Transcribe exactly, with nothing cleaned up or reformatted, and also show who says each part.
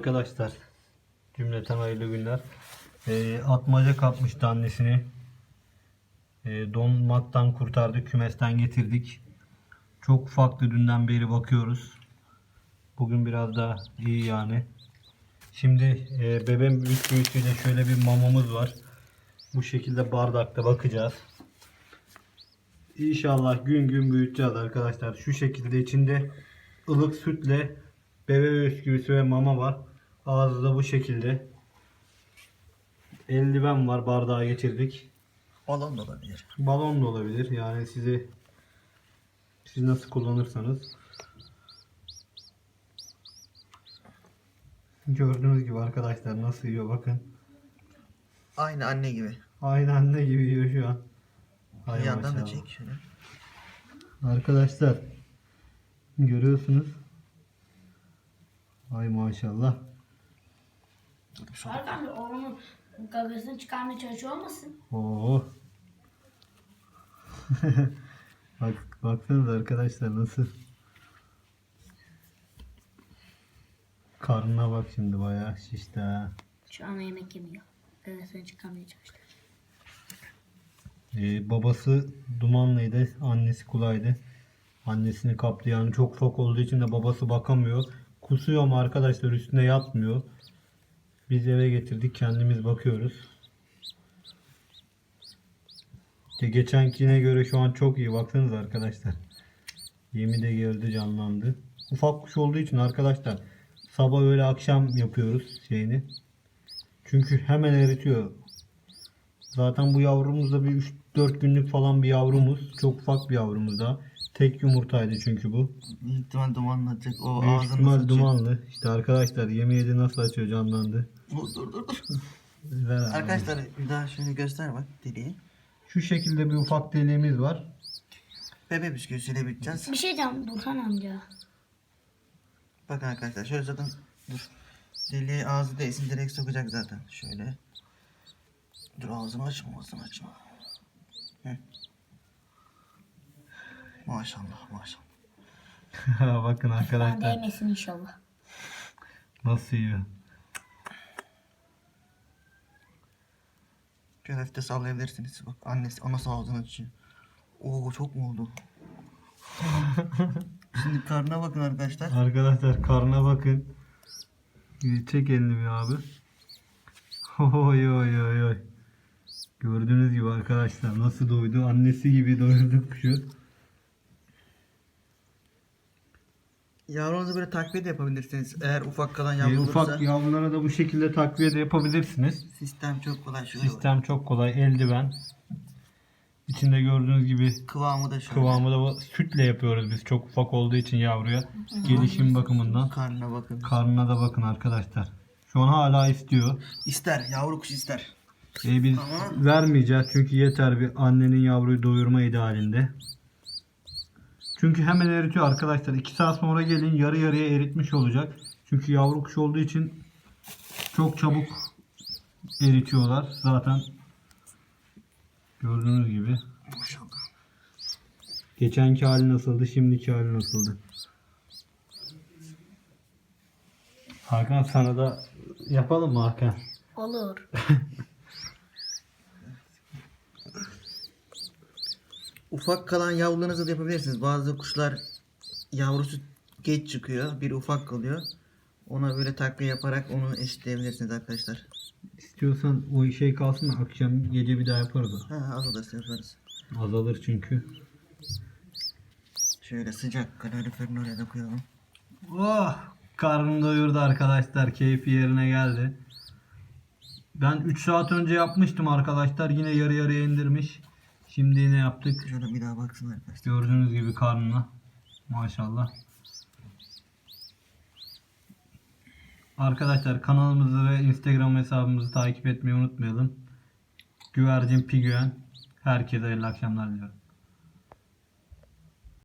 Speaker 1: arkadaşlar. Cümleten hayırlı günler. E, atmaca kapmıştı annesini. E, donmaktan kurtardık. Kümesten getirdik. Çok ufaktı, dünden beri bakıyoruz. Bugün biraz daha iyi yani. Şimdi e, bebeğin büyük büyütüyle şöyle bir mamamız var. Bu şekilde bardakta bakacağız. İnşallah gün gün büyüteceğiz arkadaşlar. Şu şekilde içinde ılık sütle bebe bisküvisi ve mama var. Ağzı da bu şekilde. Eldiven var, bardağa geçirdik.
Speaker 2: Balon da olabilir.
Speaker 1: Balon da olabilir. Yani sizi siz nasıl kullanırsanız. Gördüğünüz gibi arkadaşlar nasıl yiyor bakın.
Speaker 2: Aynı anne gibi.
Speaker 1: Aynı anne gibi yiyor şu an. Hay
Speaker 2: Bir yandan da
Speaker 1: maşallah.
Speaker 2: çek şöyle.
Speaker 1: Arkadaşlar görüyorsunuz. Ay maşallah.
Speaker 3: Arkamda oğlunun gagasını çıkarmaya çalışıyor olmasın?
Speaker 1: Oo. Bak, baksanıza arkadaşlar nasıl. Karnına bak şimdi, bayağı şişti ha.
Speaker 3: Şu an yemek yemiyor. Gagasını çıkarmaya çalıştı.
Speaker 1: Ee, babası dumanlıydı, annesi kulaydı. Annesini kaptı, yani çok ufak olduğu için de babası bakamıyor. Kusuyor ama arkadaşlar üstüne yatmıyor. Biz eve getirdik, kendimiz bakıyoruz. İşte geçenkine göre şu an çok iyi, baksanıza arkadaşlar. Yemi de geldi, canlandı. Ufak kuş olduğu için arkadaşlar sabah öyle akşam yapıyoruz şeyini. Çünkü hemen eritiyor. Zaten bu yavrumuz da bir üç dört günlük falan bir yavrumuz. Çok ufak bir yavrumuz da. Tek yumurtaydı çünkü bu.
Speaker 2: Büyük ihtimal dumanlanacak. O
Speaker 1: Büyük
Speaker 2: ağzını
Speaker 1: ihtimal
Speaker 2: nasıl
Speaker 1: dumanlı. İşte arkadaşlar yemi yedi, nasıl açıyor, canlandı.
Speaker 2: Dur dur dur. dur.
Speaker 1: Ver abi.
Speaker 2: Arkadaşlar bir daha şöyle göster bak deliği.
Speaker 1: Şu şekilde bir ufak deliğimiz var.
Speaker 2: Bebe bisküvisiyle biteceğiz.
Speaker 3: Bir şey diyeceğim Burhan amca.
Speaker 2: Bakın arkadaşlar şöyle zaten dur. Deliği ağzı değsin direkt sokacak zaten. Şöyle. Dur ağzını açma ağzını açma. Hı. Maşallah maşallah.
Speaker 1: Bakın
Speaker 3: Bana
Speaker 1: arkadaşlar
Speaker 3: değmesin inşallah.
Speaker 1: nasıl yiyor.
Speaker 2: Şöyle hafif de sallayabilirsiniz. Bak annesi anası ağzını açıyor. Oo çok mu oldu? Şimdi karnına bakın arkadaşlar.
Speaker 1: Arkadaşlar karnına bakın. Çek elini bir abi. Oy oy oy oy. Gördüğünüz gibi arkadaşlar nasıl doydu. Annesi gibi doyurduk kuşu.
Speaker 2: Yavrunuzu böyle takviye de yapabilirsiniz. Eğer ufak kalan
Speaker 1: Ee,
Speaker 2: yavru olursa.
Speaker 1: ufak yavrulara da bu şekilde takviye de yapabilirsiniz.
Speaker 2: Sistem çok kolay. Şöyle
Speaker 1: Sistem çok kolay. Eldiven. İçinde gördüğünüz gibi
Speaker 2: kıvamı da şöyle.
Speaker 1: kıvamı da bu- sütle yapıyoruz biz. Çok ufak olduğu için yavruya. Gelişim bakımından.
Speaker 2: Karnına bakın.
Speaker 1: Karnına da bakın arkadaşlar. Şu an hala istiyor.
Speaker 2: İster. Yavru kuş ister.
Speaker 1: Ee, biz
Speaker 2: Ama-
Speaker 1: vermeyeceğiz çünkü yeter bir annenin yavruyu doyurma idealinde. Çünkü hemen eritiyor arkadaşlar. iki saat sonra gelin, yarı yarıya eritmiş olacak. Çünkü yavru kuş olduğu için çok çabuk eritiyorlar. Zaten gördüğünüz gibi.
Speaker 2: Maşallah.
Speaker 1: Geçenki hali nasıldı, şimdiki hali nasıldı? Hakan, sana da yapalım mı Hakan?
Speaker 3: Olur.
Speaker 2: Ufak kalan yavrularınızı da yapabilirsiniz. Bazı kuşlar yavrusu geç çıkıyor. Bir ufak kalıyor. Ona böyle takviye yaparak onu eşitleyebilirsiniz arkadaşlar.
Speaker 1: İstiyorsan o şey kalsın da akşam gece bir daha yaparız o.
Speaker 2: Ha az odası yaparız.
Speaker 1: Azalır çünkü.
Speaker 2: Şöyle sıcak kaloriferin oraya da koyalım.
Speaker 1: Oh! Karnım doyurdu arkadaşlar. Keyfi yerine geldi. Ben üç saat önce yapmıştım arkadaşlar. Yine yarı yarıya indirmiş. Şimdi yine yaptık.
Speaker 2: Şöyle bir daha baksın arkadaşlar.
Speaker 1: Gördüğünüz gibi karnına. Maşallah. Arkadaşlar kanalımızı ve Instagram hesabımızı takip etmeyi unutmayalım. Güvercin Pigüen. Herkese hayırlı akşamlar diliyorum.